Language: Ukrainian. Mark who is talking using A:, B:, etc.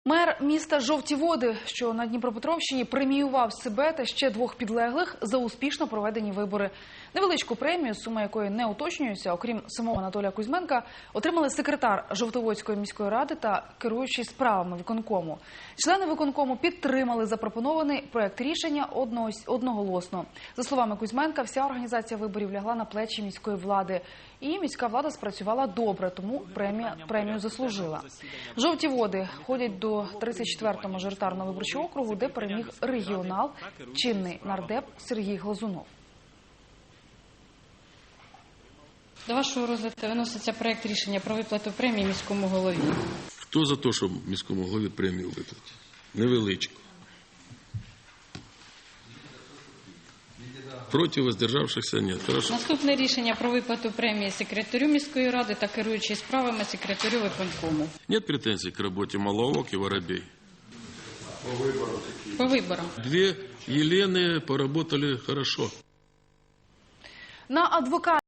A: Мер міста Жовті Води, що на Дніпропетровщині, преміював себе та ще двох підлеглих за успішно проведені вибори. Невеличку премію, сума якої не уточнюється, окрім самого Анатолія Кузьменка, отримали секретар Жовтоводської міської ради та керуючий справами виконкому. Члени виконкому підтримали запропонований проект рішення одноголосно. За словами Кузьменка, вся організація виборів лягла на плечі міської влади. І міська влада спрацювала добре, тому премію заслужила. Жовті Води ходять до 34-го мажоритарного виборчого округу, де переміг регіонал, чинний нардеп Сергій Глазунов.
B: До вашого розгляду виноситься проект рішення про виплату премії міському голові.
C: Хто за те, щоб міському голові премію виплатити? Невеличку. Проти, воздержавшихся нет. Хорошо.
B: Наступне рішення про виплату премії секретарю міської ради та керуючий справами секретарю виконкому.
C: Нет претензий к работе Маловок и Воробей?
B: По виборам.
C: Две Елены поработали хорошо.
A: На адвоката